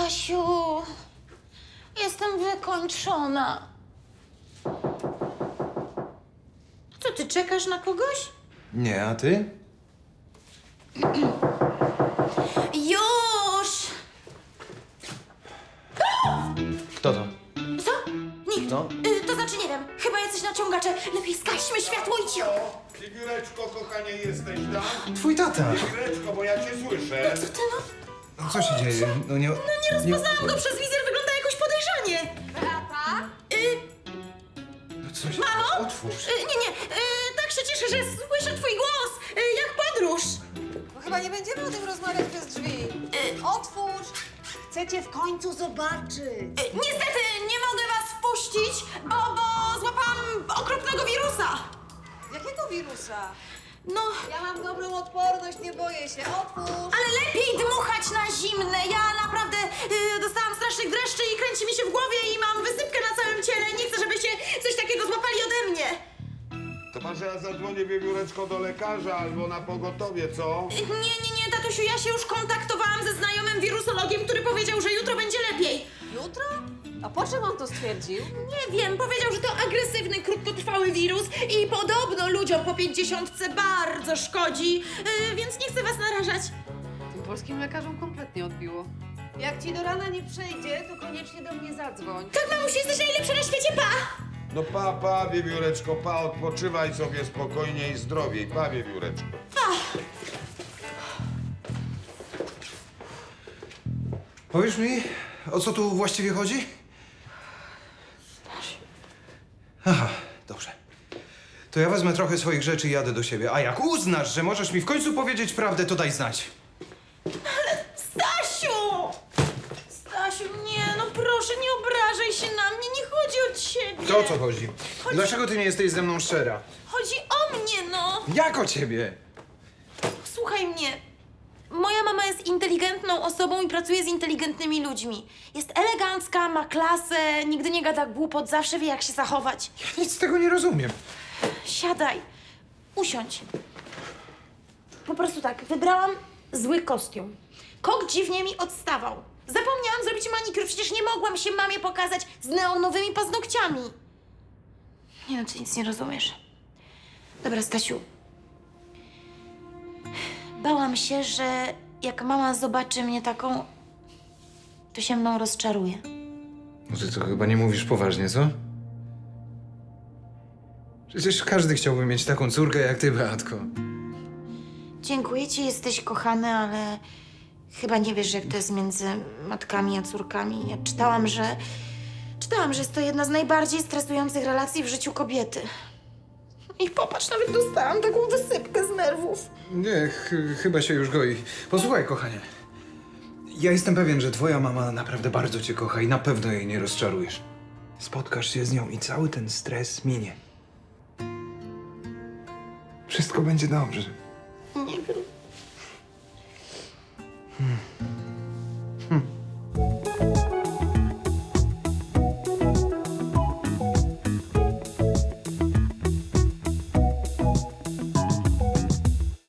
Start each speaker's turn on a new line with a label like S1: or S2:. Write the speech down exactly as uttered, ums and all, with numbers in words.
S1: Stasiu, jestem wykończona. Co, ty czekasz na kogoś?
S2: Nie, a ty?
S1: Już!
S2: Kto to?
S1: Co? Nikt.
S2: No.
S1: Y, to znaczy nie wiem, chyba jacyś naciągacze. Lepiej zgaśmy światło i cicho.
S3: Figureczko, kochanie, jesteś tam?
S2: Twój tata.
S3: Figureczko, bo ja cię słyszę.
S1: Co ty no?
S2: No, co się dzieje? No nie...
S1: No nie rozpoznałam go przez wizjer, wygląda jakoś podejrzanie. Beata? Y,
S2: No coś...
S1: Mamo?
S2: Otwórz.
S1: y, nie, nie, y, tak się cieszę, że słyszę twój głos. Y, jak podróż.
S4: No chyba nie będziemy o tym rozmawiać przez drzwi. Otwórz! Chcę cię w końcu zobaczyć.
S1: Y, niestety nie mogę was wpuścić, bo, bo złapałam okropnego wirusa.
S4: Jakiego wirusa?
S1: No,
S4: Ja mam dobrą odporność, nie boję się. Otwórz!
S1: ale lepiej dmuchać na zimne. Ja naprawdę y, dostałam strasznych dreszczy i kręci mi się w głowie i mam wysypkę na całym ciele. Nie chcę, żebyście coś takiego złapali ode mnie.
S3: To może ja zadzwonię, Wiewióreczko, do lekarza albo na pogotowie, co?
S1: Y, Nie, nie, nie, tatusiu, ja się już kontaktowałam ze znajomym wirusologiem, który powiedział, że jutro będzie lepiej.
S4: Jutro? A po czym on to stwierdził?
S1: Nie wiem, powiedział, że to agresywny, krótkotrwały wirus i podobno ludziom po pięćdziesiątce bardzo szkodzi, yy, więc nie chcę was narażać.
S4: Tym polskim lekarzom kompletnie odbiło. Jak ci do rana nie przejdzie, to koniecznie do mnie zadzwoń.
S1: Tak, mamusiu, jesteś najlepsza na świecie, pa!
S3: No pa, pa, Wiewióreczko, pa, odpoczywaj sobie spokojnie i zdrowiej. Pa, Wiewióreczko.
S2: Powiesz mi, o co tu właściwie chodzi? Aha, dobrze. To ja wezmę trochę swoich rzeczy i jadę do siebie. A jak uznasz, że możesz mi w końcu powiedzieć prawdę, to daj znać.
S1: Stasiu! Stasiu, nie, no proszę, nie obrażaj się na mnie, nie chodzi o ciebie.
S2: To o co chodzi? Dlaczego ty nie jesteś ze mną szczera?
S1: Chodzi o mnie, no.
S2: Jak o ciebie?
S1: Słuchaj mnie. Moja mama jest inteligentną osobą i pracuje z inteligentnymi ludźmi. Jest elegancka, ma klasę, nigdy nie gada głupot, zawsze wie, jak się zachować.
S2: Ja nic z tego nie rozumiem.
S1: Siadaj, usiądź. Po prostu tak, wybrałam zły kostium. Kok dziwnie mi odstawał. Zapomniałam zrobić manikur, przecież nie mogłam się mamie pokazać z neonowymi paznokciami. Nie no, ty nic nie rozumiesz. Dobra, Stasiu. Bałam się, że jak mama zobaczy mnie taką, to się mną rozczaruje.
S2: No ty to chyba nie mówisz poważnie, co? Przecież każdy chciałby mieć taką córkę jak ty, Beatko.
S1: Dziękuję ci, jesteś kochany, ale chyba nie wiesz, jak to jest między matkami a córkami. Ja czytałam, że... Czytałam, że jest to jedna z najbardziej stresujących relacji w życiu kobiety. I popatrz, nawet dostałam taką wysypkę z nerwów.
S2: Nie, ch chyba się już goi. Posłuchaj, kochanie. Ja jestem pewien, że twoja mama naprawdę bardzo cię kocha i na pewno jej nie rozczarujesz. Spotkasz się z nią i cały ten stres minie. Wszystko będzie dobrze.